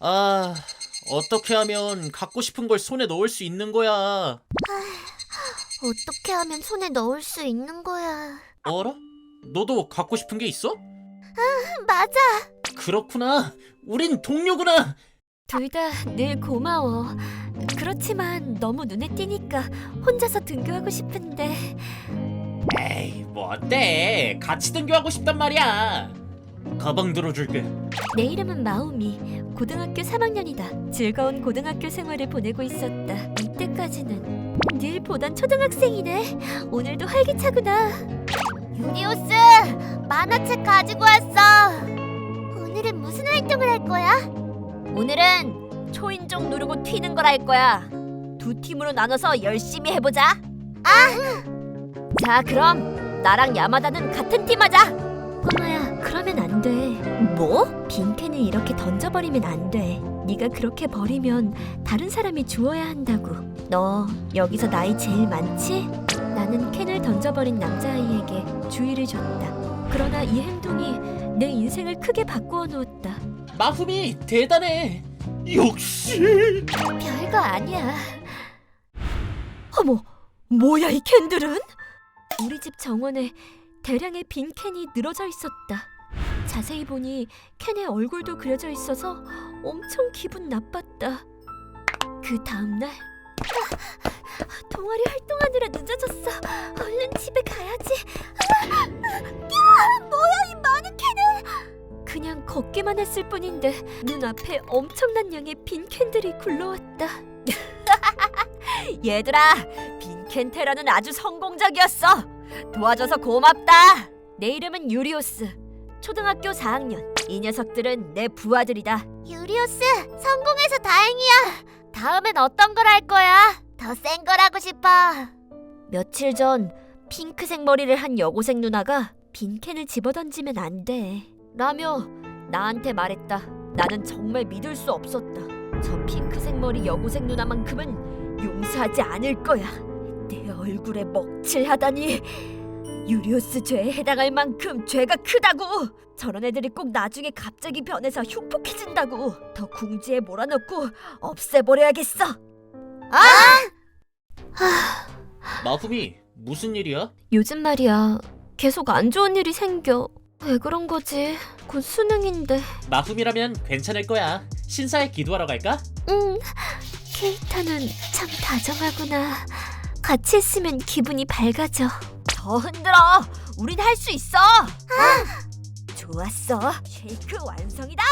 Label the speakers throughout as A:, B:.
A: 아, 어떻게 하면 갖고 싶은 걸 손에 넣을 수 있는 거야?
B: 어떻게 하면 손에 넣을 수 있는 거야?
A: 어라? 너도 갖고 싶은 게 있어?
B: 맞아.
A: 그렇구나. 우린 동료구나.
C: 둘 다 늘 고마워. 그렇지만 너무 눈에 띄니까 혼자서 등교하고 싶은데.
A: 에이, 뭐 어때? 같이 등교하고 싶단 말이야. 가방 들어줄게.
C: 내 이름은 마우미. 고등학교 3학년이다. 즐거운 고등학교 생활을 보내고 있었다. 이때까지는 늘 보던 초등학생이네. 오늘도 활기차구나.
B: 유리오스, 만화책 가지고 왔어. 오늘은 무슨 활동을 할 거야?
C: 오늘은 초인종 누르고 튀는 걸 할 거야. 두 팀으로 나눠서 열심히 해보자. 자, 그럼 나랑 야마다는 같은 팀 하자. 꼬마야, 그러면 안 돼. 뭐? 빈캔을 이렇게 던져버리면 안 돼. 네가 그렇게 버리면 다른 사람이 주워야 한다고. 너 여기서 나이 제일 많지? 나는 캔을 던져버린 남자아이에게 주의를 줬다. 그러나 이 행동이 내 인생을 크게 바꾸어 놓았다.
A: 마후미 대단해. 역시.
C: 별거 아니야. 어머, 뭐야 이 캔들은? 우리 집 정원에 대량의 빈 캔이 늘어져 있었다. 자세히 보니 캔에 얼굴도 그려져 있어서 엄청 기분 나빴다. 그 다음날 동아리 활동하느라 늦어졌어. 얼른 집에 가야지. 뭐야 이 많은 캔은? 그냥 걷기만 했을 뿐인데 눈앞에 엄청난 양의 빈 캔들이 굴러왔다. 얘들아, 빈캔 테러는 아주 성공적이었어. 도와줘서 고맙다. 내 이름은 유리오스. 초등학교 4학년. 이 녀석들은 내 부하들이다.
B: 유리오스, 성공해서 다행이야. 다음엔 어떤 걸 할 거야? 더 센 걸 하고 싶어.
C: 며칠 전 핑크색 머리를 한 여고생 누나가 빈캔을 집어던지면 안 돼 라며 나한테 말했다. 나는 정말 믿을 수 없었다. 저 핑크색 머리 여고생 누나만큼은 용서하지 않을 거야. 내 얼굴에 먹칠하다니. 유리오스 죄에 해당할 만큼 죄가 크다고. 저런 애들이 꼭 나중에 갑자기 변해서 흉폭해진다고. 더 궁지에 몰아넣고 없애버려야겠어.
A: 마후미 무슨 일이야?
C: 요즘 말이야, 계속 안 좋은 일이 생겨. 왜 그런 거지? 곧 수능인데.
A: 마후미라면 괜찮을 거야. 신사에 기도하러 갈까?
C: 응, 케이타는 참 다정하구나. 같이 있으면 기분이 밝아져. 더 흔들어. 우린 할 수 있어. 좋았어. 쉐이크 완성이다.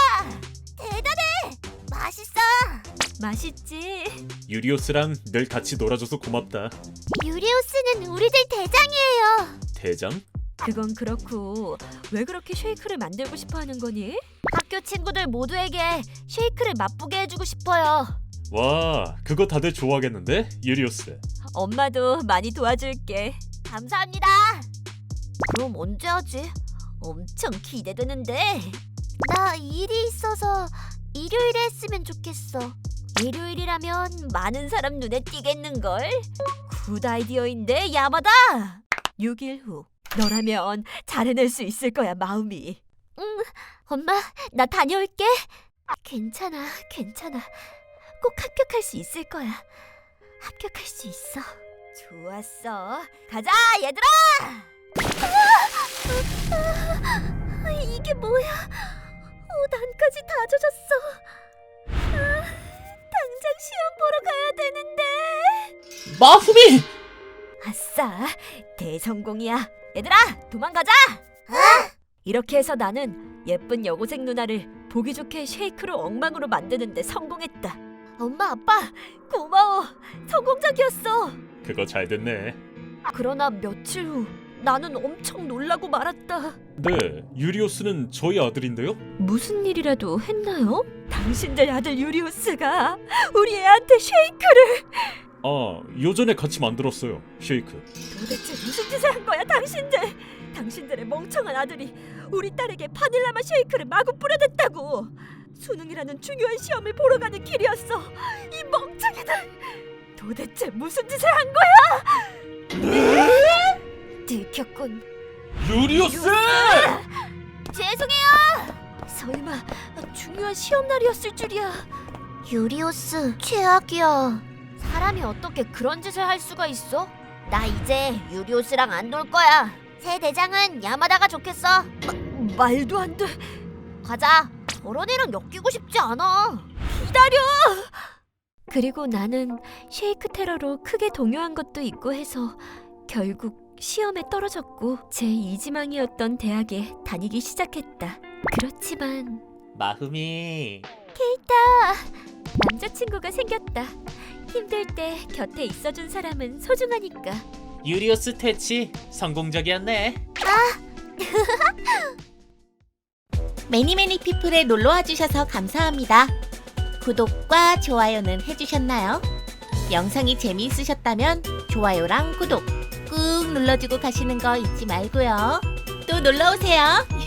B: 맛있어.
C: 맛있지?
A: 유리오스랑 늘 같이 놀아줘서 고맙다.
B: 유리오스는 우리들 대장이에요.
A: 대장?
C: 그건 그렇고 왜 그렇게 쉐이크를 만들고 싶어 하는 거니? 학교 친구들 모두에게 쉐이크를 맛보게 해주고 싶어요.
A: 와, 그거 다들 좋아하겠는데? 유리오스.
C: 엄마도 많이 도와줄게.
B: 감사합니다.
C: 그럼 언제 하지? 엄청 기대되는데.
B: 나 일이 있어서 일요일에 했으면 좋겠어.
C: 일요일이라면 많은 사람 눈에 띄겠는걸? 굿 아이디어인데 야마다. 6일 후 너라면 잘 해낼 수 있을 거야 마음이. 엄마, 나 다녀올게. 괜찮아. 꼭 합격할 수 있을 거야. 합격할 수 있어. 좋았어. 가자 얘들아. 이게 뭐야? 난까지 다 젖었어. 당장 시험 보러 가야 되는데.
A: 마후미!
C: 아싸, 대성공이야. 얘들아, 도망가자. 이렇게 해서 나는 예쁜 여고생 누나를 보기 좋게 쉐이크로 엉망으로 만드는데 성공했다. 엄마, 아빠, 고마워. 성공적이었어.
A: 그거 잘 됐네.
C: 그러나 며칠 후 나는 엄청 놀라고 말았다.
A: 네, 유리오스는 저희 아들인데요?
C: 무슨 일이라도 했나요? 당신들 아들 유리오스가 우리 애한테 쉐이크를.
A: 아, 요전에 같이 만들었어요. 쉐이크.
C: 도대체 무슨 짓을 한 거야 당신들. 당신들의 멍청한 아들이 우리 딸에게 바닐라 맛 쉐이크를 마구 뿌려댔다고. 수능이라는 중요한 시험을 보러 가는 길이었어. 이 멍청이들. 도대체 무슨 짓을 한 거야? 들켰군.
A: 유리오스!
C: 죄송해요. 설마 중요한 중요한 시험 날이었을 줄이야.
B: 유리오스 최악이야.
C: 사람이 어떻게 그런 짓을 할 수가 있어? 나 이제 유리오스랑 안 놀 거야.
B: 새 대장은 야마다가 좋겠어.
C: 말도 안 돼.
B: 가자. 저런 애랑 엮이고 싶지 않아.
C: 기다려. 그리고 나는 쉐이크 테러로 크게 동요한 것도 있고 해서 결국 시험에 떨어졌고 제 이지망이었던 대학에 다니기 시작했다. 그렇지만
A: 마흠이
C: 남자친구가 생겼다. 힘들 때 곁에 있어준 사람은 소중하니까.
A: 유리오스 퇴치 성공적이었네.
D: 매니매니 피플에 놀러와 주셔서 감사합니다. 구독과 좋아요는 해주셨나요? 영상이 재미있으셨다면 좋아요랑 구독 꾹 눌러주고 가시는 거 잊지 말고요. 또 놀러오세요.